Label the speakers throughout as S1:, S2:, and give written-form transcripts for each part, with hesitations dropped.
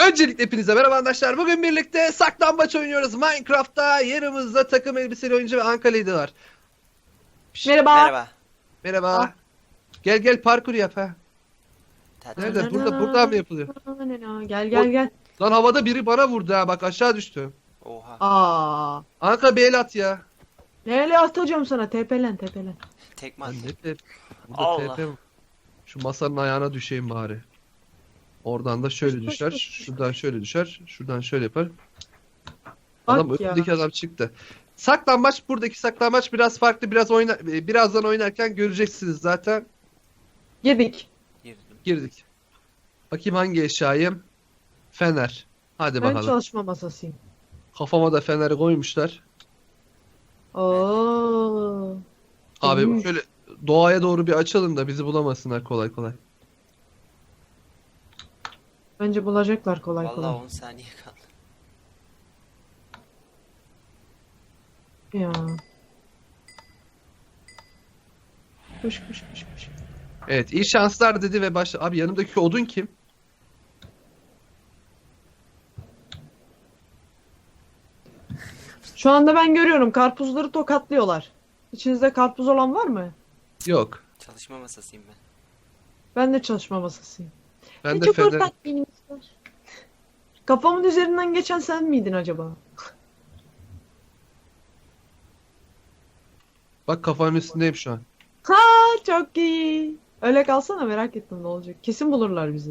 S1: Öncelikle hepinize merhaba arkadaşlar. Bugün birlikte saklambaç oynuyoruz Minecraft'ta. Yanımızda takım elbiseli oyuncu ve Ankara'ydı var.
S2: Merhaba.
S3: Merhaba.
S1: Merhaba.
S2: Ah.
S1: Gel parkur yap ha.
S3: Tatil.
S1: Nerede? Burada mı yapılıyor?
S2: Gel.
S1: Lan havada biri bana vurdu ha, bak aşağı düştü.
S3: Oha.
S2: Aa.
S1: Anka bir el at ya.
S2: Neyle atacağım sana? Tepelen.
S3: Tekme
S1: Lan
S3: attı.
S1: ne tep? Burada
S3: Allah.
S1: TP mi? Şu masanın ayağına düşeyim bari. Oradan da şöyle
S2: Koş,
S1: düşer.
S2: koş.
S1: Şuradan şöyle düşer. Şuradan şöyle yapar. Adam
S2: Bak ya.
S1: önündeki adam çıktı. Buradaki saklambaç biraz farklı. Birazdan oynarken göreceksiniz zaten.
S2: Yedik.
S3: Girdim.
S1: Girdik. Bakayım hangi eşyayım? Fener. Hadi
S2: Ben
S1: bakalım.
S2: çalışma masasıyım.
S1: Kafama da feneri koymuşlar.
S2: Oo.
S1: Abi
S2: Hmm.
S1: şöyle doğaya doğru bir açalım da bizi bulamasınlar kolay kolay.
S2: Bence bulacaklar kolay
S3: Vallahi
S2: kolay.
S3: 10 saniye kaldı.
S2: Ya. Koş.
S1: Evet, iyi şanslar dedi ve başla. Abi yanımdaki odun kim?
S2: Şu anda ben görüyorum karpuzları tokatlıyorlar. İçinizde karpuz olan var mı?
S1: Yok.
S3: Çalışma masasıyım ben.
S2: Ben de çalışma masasıyım.
S1: Ben de
S2: çok
S1: fener.
S2: ortak birimiz var. Kafamın üzerinden geçen sen miydin acaba?
S1: Bak kafanın üstündeyim şu an.
S2: Ha, çok iyi. Öyle kalsana, merak ettim ne olacak. Kesin bulurlar bizi.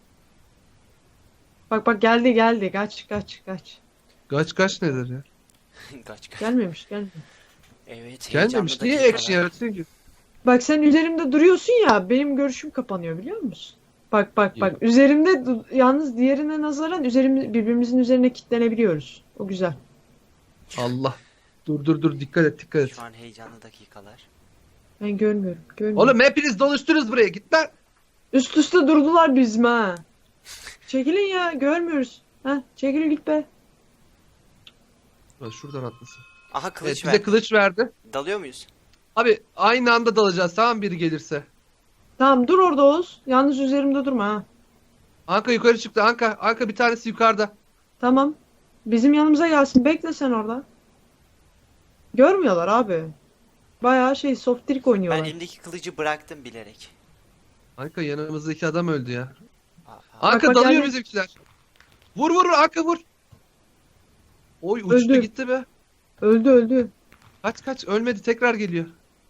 S2: Bak geldi. Kaç.
S1: Kaç nedir ya?
S3: Kaç.
S2: Gelmemiş.
S3: Evet.
S1: Gelmemiş.
S3: heyecanlı
S1: Niye
S3: dakikalar.
S1: action yaratıyorsun ki?
S2: Bak sen üzerimde duruyorsun ya, benim görüşüm kapanıyor biliyor musun? Bak.
S1: Yok.
S2: Üzerimde yalnız diğerine nazaran birbirimizin üzerine kilitlenebiliyoruz. O güzel.
S1: Allah. Dur dikkat et.
S3: Şu an heyecanlı dakikalar.
S2: Ben görmüyorum.
S1: Oğlum hepiniz doluştunuz buraya, git lan.
S2: Üst üste durdular bizim ha. Çekilin ya, görmüyoruz. Ha, çekil git be.
S1: Lan şuradan atlasın.
S3: Aha
S1: Evet,
S3: kılıç
S1: bize
S3: ver.
S1: kılıç verdi.
S3: Dalıyor muyuz?
S1: Abi aynı anda dalacağız, tamam, biri gelirse.
S2: Tamam, dur orada Oğuz. Yalnız üzerimde durma ha.
S1: Anka yukarı çıktı. Anka bir tanesi yukarıda.
S2: Tamam. Bizim yanımıza gelsin. Bekle sen orada. Görmüyorlar abi. Bayağı soft trick
S3: Ben
S2: oynuyorlar.
S3: elimdeki kılıcı bıraktım bilerek.
S1: Anka yanımızdaki adam öldü ya.
S3: Aa,
S1: Anka
S2: bak,
S1: dalıyor
S2: geldi.
S1: bizimkiler. Vur Anka vur. Oy uçtu
S2: Öldü.
S1: gitti be.
S2: Öldü.
S1: Kaç ölmedi, tekrar geliyor.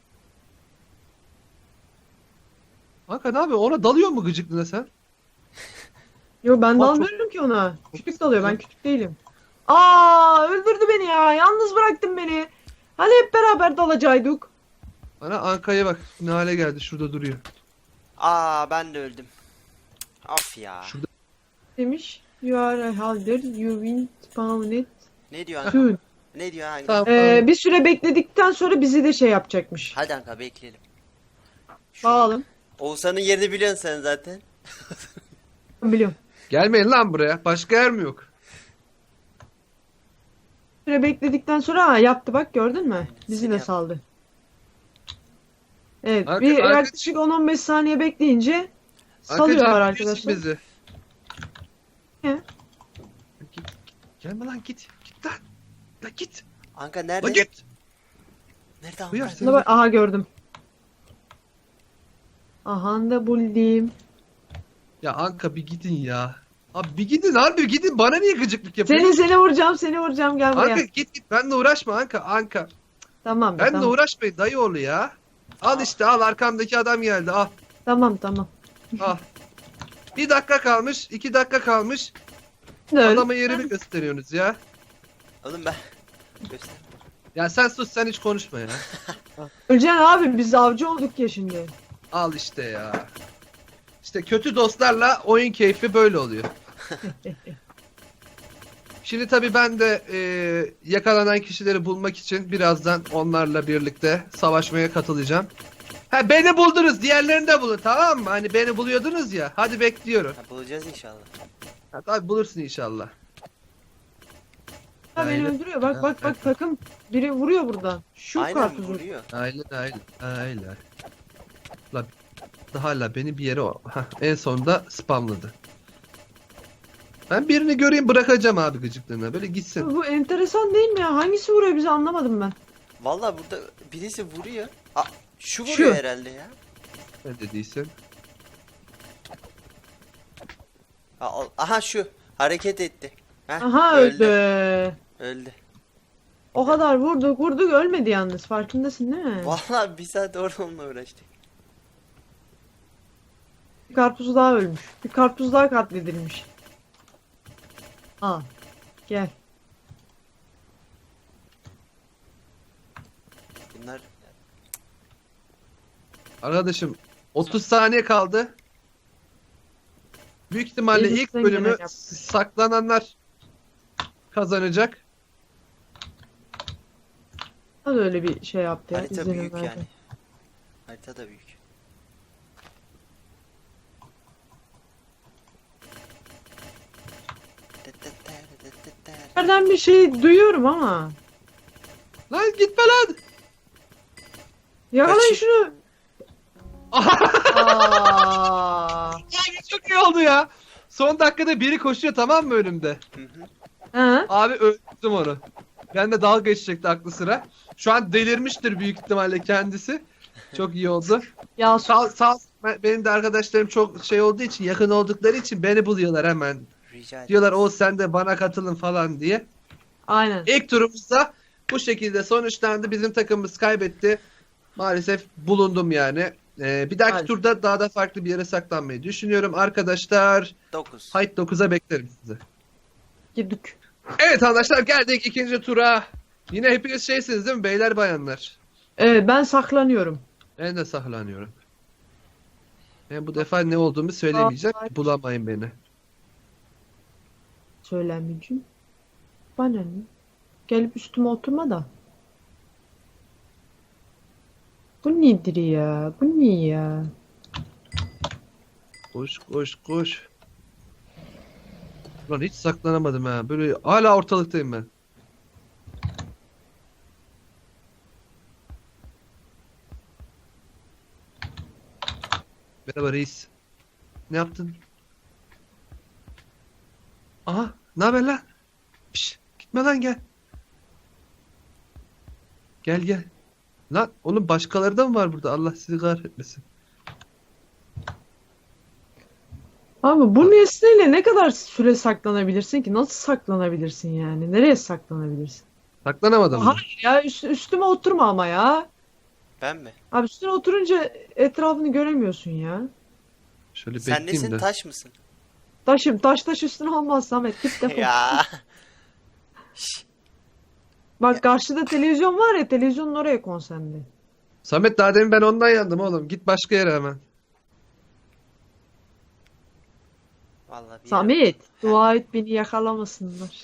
S1: Anka ne yapıyor? Ona dalıyor mu gıcıklığına sen?
S2: Yo, ben
S1: Bak,
S2: dalmıyorum ki ona. Küçük dalıyor. Ben küçük değilim. Aa, öldürdü beni ya. Yalnız bıraktın beni. Hani hep beraber dalacaktık.
S1: Bana Anka'ya bak ne hale geldi, şurada duruyor.
S3: ben de öldüm. Of ya.
S1: Şurada.
S2: Demiş. You are a halder. You win spawned
S3: Ne diyor Anka?
S2: soon.
S3: Ne diyor Anka?
S1: Tamam.
S2: Bir süre bekledikten sonra bizi de yapacakmış.
S3: Hadi Anka bekleyelim. Şu an-
S2: Bağalım.
S3: Oğuzhan'ın yerini biliyorsun sen zaten.
S2: Biliyorum.
S1: Gelmeyin lan buraya. Başka yer mi yok?
S2: Süre bekledikten sonra yaptı, bak gördün mü? Bizi
S3: seni
S2: de
S3: yaptı.
S2: saldı. Evet,
S1: Arka-
S2: yaklaşık 10-15 saniye bekleyince salıyorlar
S1: Anka,
S2: arkadaşlar.
S1: bizi.
S2: Ne?
S1: Gelme lan, git. Git lan. Lan git.
S3: Anka
S1: Lan
S3: nerede?
S1: git.
S3: Nerede Anka?
S1: Buyur.
S2: Buna bak, aha gördüm. Aha da buldum.
S1: Ya Anka bir gidin ya. Abi bir gidin, harbi gidin. Bana niye gıcıklık yapıyorsun?
S2: Seni vuracağım, gel buraya.
S1: Anka git. Benle uğraşma Anka.
S2: Tamam be,
S1: Benle
S2: tamam.
S1: uğraşmayın dayı oğlu ya. Al işte, al, arkamdaki adam geldi, al.
S2: Tamam.
S1: Al. 1 dakika kalmış, 2 dakika kalmış.
S2: Öl.
S1: Adama yerimi gösteriyorsunuz ya.
S3: Oğlum ben. Göster.
S1: Ya sen sus, sen hiç konuşma ya.
S2: Öleceksin abi, biz avcı olduk ya şimdi.
S1: Al işte ya. İşte kötü dostlarla oyun keyfi böyle oluyor. Şimdi tabii ben de yakalanan kişileri bulmak için birazdan onlarla birlikte savaşmaya katılacağım. Ha, beni buldunuz, diğerlerini de bulun, tamam mı? Hani beni buluyordunuz ya. Hadi bekliyorum.
S3: Ha, bulacağız inşallah.
S1: Ha, tabii bulursun inşallah.
S2: Ha, beni
S1: Aynen.
S2: öldürüyor, bak takım. Biri vuruyor buradan. Şu
S3: Aynen
S2: karpuzu.
S3: vuruyor.
S1: Aynen. Hala beni bir yere en sonunda spamladı. Ben birini göreyim bırakacağım abi gıcıklığına. Böyle gitsin.
S2: Bu enteresan değil mi ya? Hangisi vuruyor bizi anlamadım ben.
S3: Vallahi burada birisi vuruyor. Aa, şu
S2: Şu.
S3: vuruyor herhalde ya.
S1: Ne dediysen.
S3: Aha şu hareket etti. Heh,
S2: Aha öldü.
S3: Öldü.
S2: O kadar vurduk ölmedi yalnız. Farkındasın değil mi?
S3: Vallahi bir saat orada onunla uğraştık.
S2: Bir karpuz daha ölmüş. Bir karpuz daha katledilmiş. Al. Gel.
S3: Bunlar
S1: Arkadaşım 30 saniye kaldı. Büyük ihtimalle ilk
S2: Elimizden
S1: bölümü
S2: geleni yaptık.
S1: saklananlar kazanacak.
S2: Hadi öyle bir şey yaptı ya.
S3: harita
S2: izlenim
S3: büyük
S2: verdi.
S3: yani. Harita da büyük.
S2: Nereden bir şey duyuyorum ama.
S1: Lan gitme lan.
S2: Yakalayın
S3: Kaçı-
S2: şunu. Aa.
S1: Abi çok iyi oldu ya. Son dakikada biri koşuyor tamam mı önümde?
S3: Hı hı.
S2: Ha?
S1: Abi öldürdüm onu. Ben de dalga geçecekti aklı sıra. Şu an delirmiştir büyük ihtimalle kendisi. Çok iyi oldu.
S2: Ya
S1: Sağ benim de arkadaşlarım çok şey olduğu için yakın oldukları için beni buluyorlar hemen.
S3: Rica ederim.
S1: Diyorlar o sen de bana katılın falan diye.
S2: aynen.
S1: İlk turumuzda bu şekilde sonuçlandı. Bizim takımımız kaybetti. Maalesef bulundum yani. Bir dahaki
S2: Maalesef.
S1: turda daha da farklı bir yere saklanmayı düşünüyorum. Arkadaşlar
S3: 9.
S1: Hayt 9'a beklerim sizi.
S2: Girdik.
S1: Evet arkadaşlar geldik ikinci tura. Yine hepiniz şeysiniz değil mi beyler bayanlar?
S2: Evet ben saklanıyorum.
S1: Ben de saklanıyorum. Ben bu defa ne olduğumu söylemeyeceğim.
S2: Ay.
S1: Bulamayın beni.
S2: Söylemeyeceğim. Bana ne? Gelip üstüme oturma da. Bu nedir ya? Bu ne ya?
S1: Koş koş koş. Ulan hiç saklanamadım ha. Böyle hala ortalıktayım ben. Merhaba reis. Ne yaptın? Aha, ne haber lan? Piş, gitme lan gel. Gel gel. Lan oğlum başkaları da mı var burada? Allah sizi kahretmesin.
S2: Abi bu nesneyle ne kadar süre saklanabilirsin ki? Nasıl saklanabilirsin yani? Nereye saklanabilirsin?
S1: Saklanamadım mı?
S2: Hayır ya üstüme oturma ama ya.
S3: Ben mi?
S2: Abi üstüne oturunca etrafını göremiyorsun ya.
S1: Şöyle
S3: Sen
S1: bekleyeyim
S3: nesin
S1: de.
S3: taş mısın?
S2: Taşım taş üstüne olmaz Samet. Git defol.
S3: Ya. Şş,
S2: Bak karşıda televizyon var ya televizyonun oraya konsantre.
S1: Samet daha demin ben ondan yandım oğlum. Git başka yere hemen.
S3: Vallahi bir
S2: Samet dua et beni yakalamasınlar.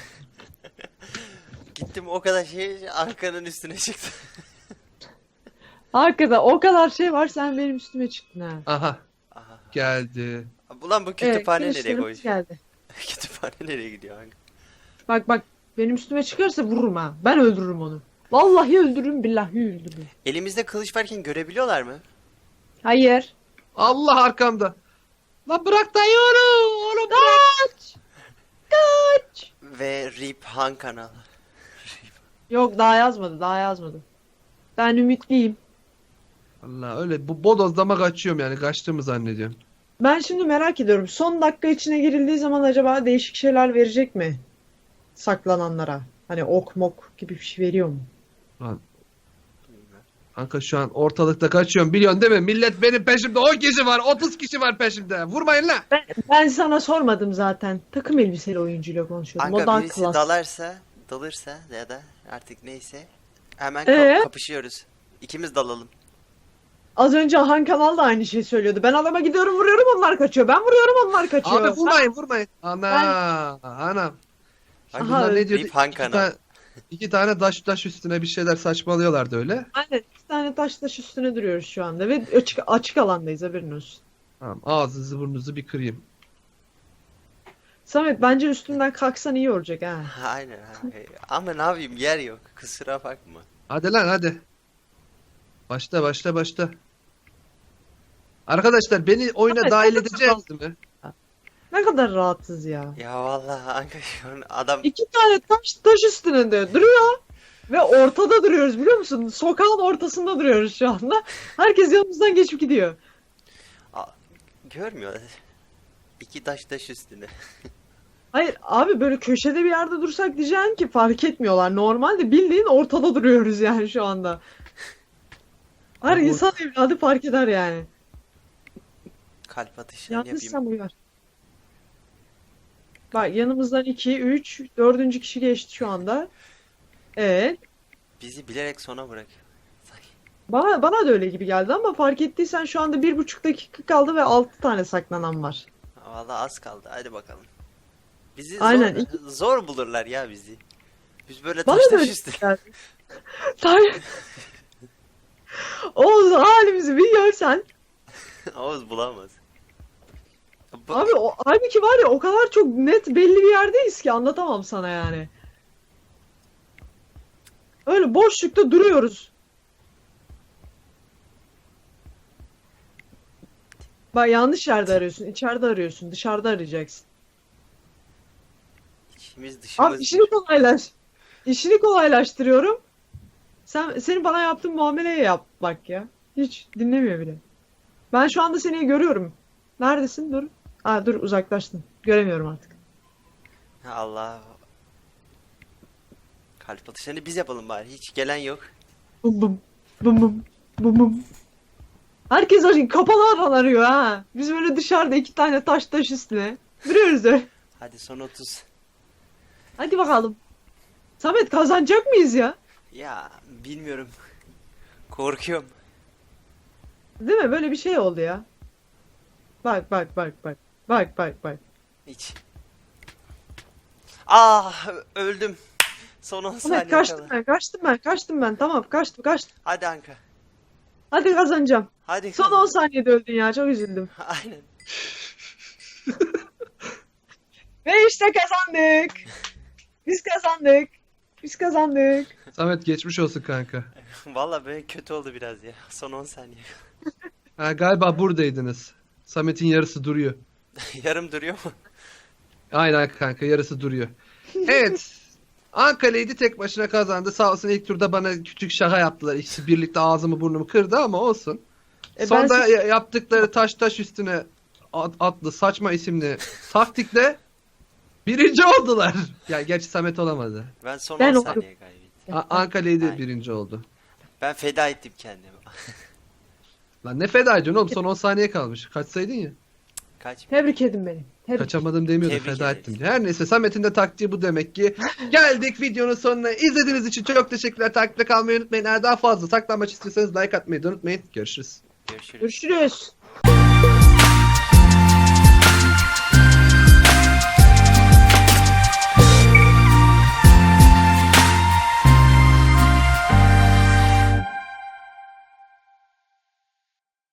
S3: gittim o kadar şey arkanın üstüne çıktı.
S2: Hakikaten o kadar şey var sen benim üstüme çıktın ha.
S1: Aha
S3: Aha.
S1: geldi.
S3: Ulan bu kütüphane nereye
S2: girişlerimiz
S3: koyacak?
S2: geldi.
S3: Kütüphane nereye gidiyor hangi?
S2: Bak benim üstüme çıkarsa vururum ha. Ben öldürürüm onu. Vallahi öldürürüm billahi öldürürüm.
S3: Elimizde kılıç varken görebiliyorlar mı?
S2: Hayır.
S1: Allah arkamda. Lan bırak dayı onu. Oğlum bırak.
S2: Kaç! Kaç!
S3: Ve RIP Han kanalı.
S2: Yok daha yazmadı. Ben ümitliyim.
S1: Allah öyle bu bodozlama kaçıyorum yani kaçtığımı zannediyorum.
S2: Ben şimdi merak ediyorum. Son dakika içine girildiği zaman acaba değişik şeyler verecek mi? Saklananlara. Hani ok mok gibi bir şey veriyor mu?
S1: Lan kanka şu an ortalıkta kaçıyorum biliyorsun değil mi? Millet benim peşimde 10 kişi var 30 kişi var peşimde. Vurmayın lan.
S2: Ben sana sormadım zaten. Takım elbiseli oyuncuyla konuşuyordum. O
S3: Kanka
S2: daha
S3: birisi
S2: klas.
S3: dalırsa ya da artık neyse hemen
S2: Ee?
S3: kapışıyoruz. İkimiz dalalım.
S2: Az önce Han Kanal da aynı şeyi söylüyordu. Ben adama gidiyorum vuruyorum onlar kaçıyor. Ben vuruyorum onlar kaçıyor.
S1: Abi vurmayın. Ana anam.
S3: Aha,
S1: Bunlar ne diyordu?
S3: Rip Han
S1: İki
S3: kanalı.
S1: tane, iki tane taş üstüne bir şeyler saçmalıyorlardı öyle.
S2: Aynen. İki tane taş üstüne duruyoruz şu anda ve açık alandayız haberin olsun.
S1: Tamam ağzınızı burnunuzu bir kırayım.
S2: Samet bence üstünden kalksan iyi olacak ha.
S3: Aynen abi. Ama ne yapayım yer yok. Kusura bakma.
S1: Hadi lan hadi. Başla. Arkadaşlar beni oyuna
S2: Samet,
S1: dahil
S2: sen de
S1: edeceğiz mi?
S2: Ne kadar rahatsız ya.
S3: Ya vallahi Anka şu an adam
S2: 2 tane taş üstünde duruyor. Ve ortada duruyoruz biliyor musun? Sokağın ortasında duruyoruz şu anda. Herkes yanımızdan geçip gidiyor.
S3: görmüyor. İki taş üstüne.
S2: Hayır abi böyle köşede bir yerde dursak diyeceğim ki fark etmiyorlar. Normalde bildiğin ortada duruyoruz yani şu anda. Her
S1: Abi o-
S2: insan evladı fark eder yani.
S3: Kalp atışını
S2: Yalnız
S3: yapayım.
S2: sen uyar. Bak yanımızdan 2, 3, 4. kişi geçti şu anda. Evet.
S3: Bizi bilerek sona bırak.
S2: Bana da öyle gibi geldi ama fark ettiysen şu anda 1,5 dakika kaldı ve 6 tane saklanan var.
S3: Vallahi az kaldı. Hadi bakalım. Bizi
S2: Aynen.
S3: zor bulurlar ya bizi. Biz böyle
S2: Bana
S3: taş
S2: da öyle
S3: üstüne.
S2: geldi. Oğuz halimizi bir görsen.
S3: Oğuz bulamaz. Bu-
S2: Abi halbuki var ya o kadar çok net belli bir yerdeyiz ki anlatamam sana yani. Öyle boşlukta duruyoruz. Bak yanlış yerde arıyorsun. İçeride arıyorsun. Dışarıda arayacaksın.
S3: İçimiz
S2: Abi
S3: dışımız.
S2: işini kolaylaştırıyorum. Senin bana yaptığın muameleyi yap bak ya. Hiç dinlemiyor bile. Ben şu anda seni görüyorum. Neredesin? Dur. Aa dur uzaklaştın. Göremiyorum artık.
S3: Allah. Kalp atışlarını biz yapalım bari. Hiç gelen yok.
S2: Bum bum. Bum bum. Bum bum. Herkes kapalı alan arıyor ha. Biz böyle dışarıda 2 tane taş üstüne. Duruyoruz öyle.
S3: Hadi son 30.
S2: Hadi bakalım. Samet kazanacak mıyız ya?
S3: Ya bilmiyorum. Korkuyorum.
S2: Değil mi? Böyle bir şey oldu ya. Bak bak bak bak. Bak bak bak.
S3: Hiç. Ah öldüm. Son 10
S2: Samet
S3: saniye
S2: kaçtım ben. Tamam kaçtım.
S3: Hadi Anka.
S2: Hadi kazanacağım.
S3: Hadi.
S2: Son 10 saniyede öldün ya. Çok üzüldüm.
S3: Aynen.
S2: Ve işte kazandık. Biz kazandık.
S1: Samet geçmiş olsun kanka.
S3: Vallahi böyle kötü oldu biraz ya. Son 10 saniye.
S1: Ha, galiba buradaydınız. Samet'in yarısı duruyor.
S3: Yarım duruyor mu?
S1: Aynen kanka yarısı duruyor. Evet. Ankara'ydı tek başına kazandı. Sağ olsun ilk turda bana küçük şaka yaptılar. İkisi birlikte ağzımı burnumu kırdı ama olsun. Sonda yaptıkları taş üstüne adlı saçma isimli taktikle birinci oldular. Ya gerçi Samet olamadı.
S3: Ben son
S2: Ben
S3: 10
S2: oldum.
S3: saniye kaybettim.
S1: Ankara'ydı
S3: Aynen.
S1: birinci oldu.
S3: Ben feda ettim kendimi.
S1: Lan ne feda ediyorsun oğlum son 10 saniye kalmış. Kaçsaydın ya.
S3: Kaç?
S2: Tebrik edin beni.
S1: Kaçamadım demiyordu
S3: Tebrik
S1: feda
S3: ederiz.
S1: ettim diye. Her neyse Samet'in de taktiği bu demek ki. Geldik videonun sonuna. İzlediğiniz için çok teşekkürler. Takipte kalmayı unutmayın. Eğer daha fazla saklanmaç istiyorsanız like atmayı da unutmayın. Görüşürüz.
S3: Görüşürüz.
S2: Görüşürüz.